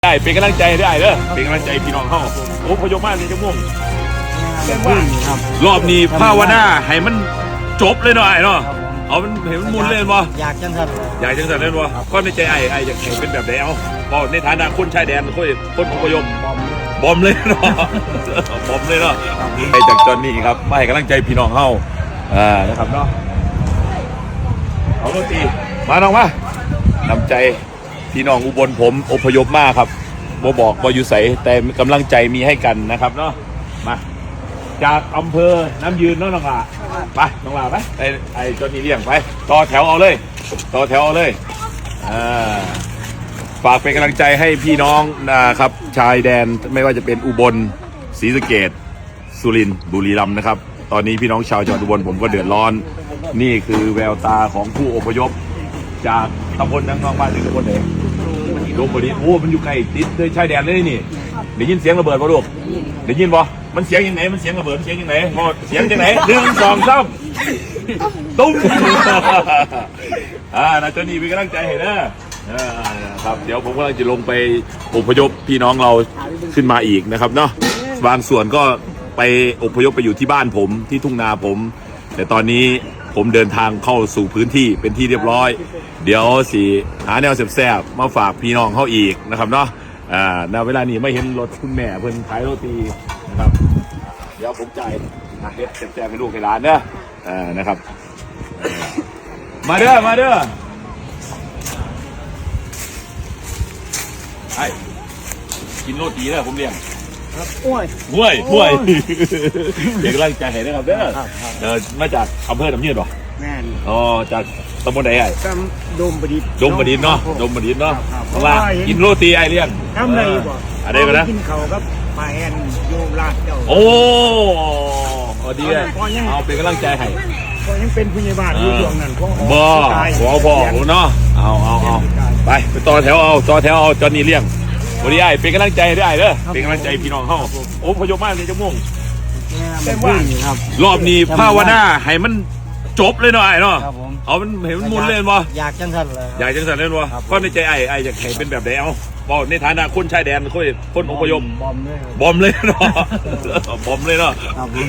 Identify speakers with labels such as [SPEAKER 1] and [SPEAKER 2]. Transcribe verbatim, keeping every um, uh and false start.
[SPEAKER 1] ได้เป็นกำลังใจได้เด้อเป็นกำลังใจพี่น้องเฮาโอ้พยมมาในจังม่วงรอบนี้ภาวนาให้มันจบเลยเนาะไอ้เนาะเอามันเห็นมันมุนเลยบ่
[SPEAKER 2] อยากจังสัน
[SPEAKER 1] อยากจังสันเลยบ่ก็ในใจไอ้ไอ้อยากให้เป็นแบบไหนเอาก็ในฐานะคนชายแดนคนคนอพยพบอมเลยเนาะบอมเลยเนาะไอ้จากจอนนี่ครับมาให้กำลังใจพี่น้องเฮาอ่านะครับเนาะเอาโรตีมาน้องมานำใจพี่น้องอุบลผมอพยพมากครับบ่บอกบ่อยู่ใสแต่กำลังใจมีให้กันนะครับเนาะมาจากอำเภอน้ำยืนเนาะน้องหลาไปน้องหลาไปไอ้ไอ้จนนี่เลี้ยงไปต่อแถวเอาเลยต่อแถวเอาเลยอ่าฝากเป็นกำลังใจให้พี่น้องนะครับชายแดนไม่ว่าจะเป็นอุบลศรีสะเกษสุรินทร์บุรีรัมย์นะครับตอนนี้พี่น้องชาวจังหวัดอุบลผมก็เดือดร้อนนี่คือแววตาของผู้อพยพจากตำบลนังนองบ้านถึงตำบลไหนโดมบดีโอ้มันอยู่ไกลติดเลยชายแดนเลยนี่ได้ยินเสียงระเบิดป่ะลูกได้ยินป่ะมันเสียงยังไงมันเสียงระเบิดเสียงยังไงมอเสียงยังไงหนึ่งสองสามตุ้มอ่านะเจ้านี่เป็นกำลังใจให้นะครับเดี๋ยวผมกำลังจะลงไปอพยพพี่น้องเราขึ้นมาอีกนะครับเนาะบางส่วนก็ไปอพยพไปอยู่ที่บ้านผมที่ทุ่งนาผมแต่ตอนนี้ผมเดินทางเข้าสู่พื้นที่เป็นที่เรียบร้อยเดี๋ยวสิหาแนวแซ่บๆมาฝากพี่น้องเขาอีกนะครับเนาะอ่าณเวลานี้ไม่เห็นรถคุณแม่เพิ่นขายโรตีนะครับเดี๋ยวผมจ่ายเฮ็ดแซ่บๆให้ลูกให้หลานเด้ออ่านะครับมาเด้อมาเด้อไอ้กินโรตีเด้อผมเลี้ยง
[SPEAKER 2] ห้วย
[SPEAKER 1] ห้วยห้วยเด็กกำลังใจให้นะครับเด้อเออมาจากอำเภอหนองยืนป่ะ
[SPEAKER 2] แม่น
[SPEAKER 1] อ๋อจากตำบลไหนไอ้
[SPEAKER 2] ตำดมบดิษฐ์
[SPEAKER 1] ดมบดิษฐ์เนาะดมบดิษฐ์เนาะเพราะว่ากินโรตีไอ้เลี้ยง
[SPEAKER 2] ทำไรบ่
[SPEAKER 1] อะไรกันนะ
[SPEAKER 2] กินเขาครับปลาแอนโยลาดเจ้า
[SPEAKER 1] โอ้ดีเลยเอาเป็นกำลังใจให้
[SPEAKER 2] ก็ยังเป็นผู้ใหญ่บ้านอยู่ช่วงนั้นพ่อ
[SPEAKER 1] บ่หัวพ่อเนาะเอาเอาเอาไปไปต่อแถวเอาต่อแถวเอาจอนนี่เลี้ยงวันนี้ไอ้เป็นกำลังใจได้เด้อเป็นกำลังใจพี่น้องเฮาโอ้พยพมากในจังม่วงรอบนี้ภาวนาให้มันจบเลยเนาะไอ้เนาะเอามันเห็นมันมุนเลยบ่
[SPEAKER 2] อยากจังสันเลย
[SPEAKER 1] อยากจังสันเลยบ่ก็ในใจไอ้ไอ้อยากให้เป็นแบบไหนเอาบอกในฐานะคนชายแดนคนคนอพยพ
[SPEAKER 2] บอมเลย
[SPEAKER 1] บอมเลยเนาะบอมเลยเนาะ